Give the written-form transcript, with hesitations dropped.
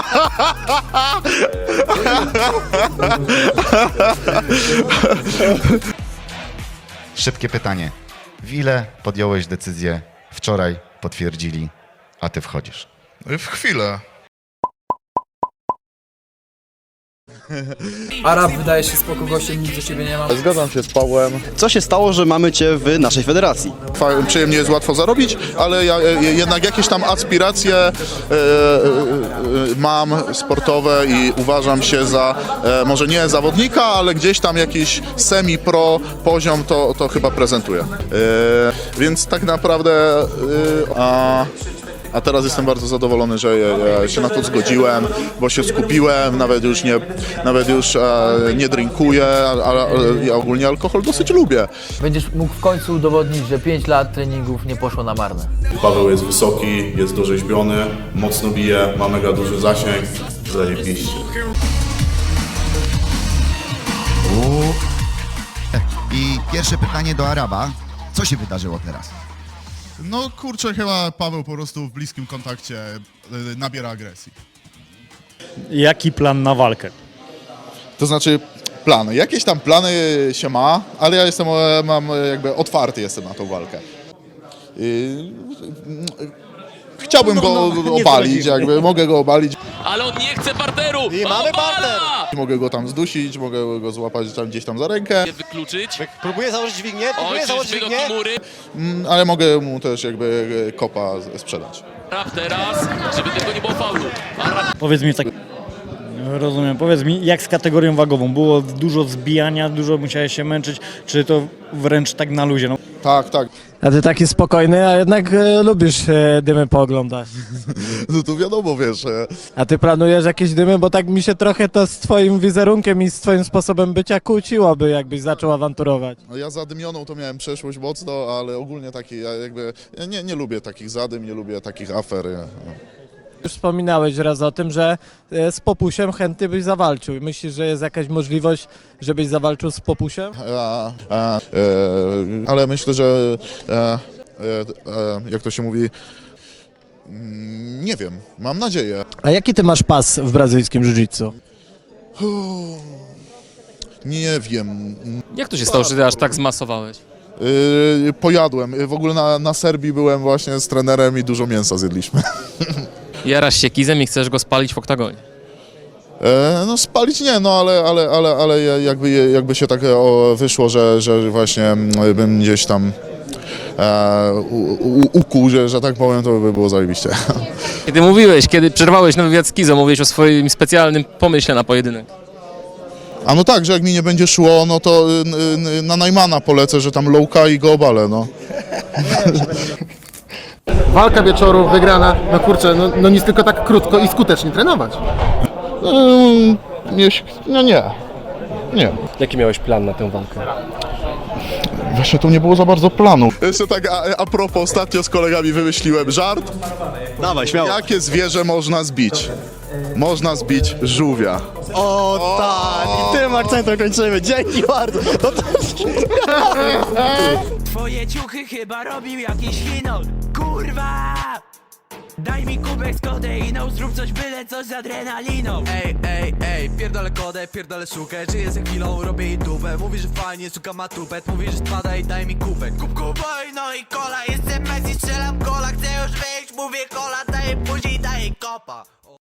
Szybkie pytanie. W ile podjąłeś decyzję? Wczoraj potwierdzili, a ty wchodzisz. W chwilę. Arab wydaje się spoko gościem, nic do ciebie nie ma. Zgadzam się z Pawłem. Co się stało, że mamy cię w naszej federacji? Przyjemnie jest łatwo zarobić, ale ja jednak jakieś tam aspiracje mam sportowe i uważam się za, może nie zawodnika, ale gdzieś tam jakiś semi-pro poziom to chyba prezentuję. Więc tak naprawdę... A teraz jestem bardzo zadowolony, że ja się na to zgodziłem, bo się skupiłem, nawet już nie drinkuję, ale ja ogólnie alkohol dosyć lubię. Będziesz mógł w końcu udowodnić, że 5 lat treningów nie poszło na marne. Paweł jest wysoki, jest dorzeźbiony, mocno bije, ma mega duży zasięg, zajebiście. I pierwsze pytanie do Araba. Co się wydarzyło teraz? No kurczę, chyba Paweł po prostu w bliskim kontakcie nabiera agresji. Jaki plan na walkę? To znaczy plany. Jakieś tam plany się ma, ale ja mam jakby otwarty jestem na tą walkę. Chciałbym go obalić, jakby mogę go obalić. Ale on nie chce parteru! I mamy parter! Mogę go tam zdusić, mogę go złapać tam gdzieś tam za rękę, Nie wykluczyć. Próbuję założyć dźwignię, Oj, czyżby do Kimury. ale mogę mu też jakby kopa sprzedać. Arab teraz, żeby tylko nie było faulu. Arab Powiedz mi tak, rozumiem, powiedz mi jak z kategorią wagową? Było dużo zbijania, dużo musiałeś się męczyć, czy to wręcz tak na luzie? No. Tak, tak. A ty taki spokojny, a jednak lubisz dymy pooglądać. No to wiadomo, wiesz. A ty planujesz jakieś dymy, bo tak mi się trochę to z twoim wizerunkiem i z twoim sposobem bycia kłóciłoby, jakbyś zaczął awanturować. No ja zadymioną to miałem przeszłość mocno, ale ogólnie ja nie lubię takich zadym, nie lubię takich afer. Już wspominałeś raz o tym, że z Popusiem chętnie byś zawalczył. Myślisz, że jest jakaś możliwość, żebyś zawalczył z Popusiem? Ale myślę, że jak to się mówi, nie wiem, mam nadzieję. A jaki ty masz pas w brazylijskim jiu-jitsu? Nie wiem. Jak to się stało, że ty aż tak zmasowałeś? Pojadłem. W ogóle na Serbii byłem właśnie z trenerem i dużo mięsa zjedliśmy. Jarasz się kizem i chcesz go spalić w oktagonie. No spalić nie, no ale jakby się tak wyszło, że właśnie bym gdzieś tam ukuł, że tak powiem, to by było zajebiście. Kiedy przerwałeś na wywiad z Kizo, mówiłeś o swoim specjalnym pomyśle na pojedynek. A no tak, że jak mi nie będzie szło, no to na Najmana polecę, że tam lowka i go obalę, no. Walka wieczoru, wygrana, no kurczę, no nic, tylko tak krótko i skutecznie trenować. Nie. Jaki miałeś plan na tę walkę? Właśnie tu nie było za bardzo planu. Jeszcze tak a propos, ostatnio z kolegami wymyśliłem żart. Dawaj, śmiało. Jakie zwierzę można zbić? Można zbić żółwia. O tak, i tym akcentem kończymy. Dzięki bardzo. No to... Twoje ciuchy chyba robił jakiś chinol. Kurwa! Daj mi kubek z kodeiną, zrób coś, byle coś z adrenaliną. Ej, pierdolę kodę, pierdolę sukę. Żyję za chwilą, robię jej dupę. Mówi, że fajnie, suka ma tupet. Mówi, że spada i daj mi kubek. Kuboj, no i kola, jestem Messi, strzelam kola. Chcę już wyjść, mówię kola, daję później, daję kopa.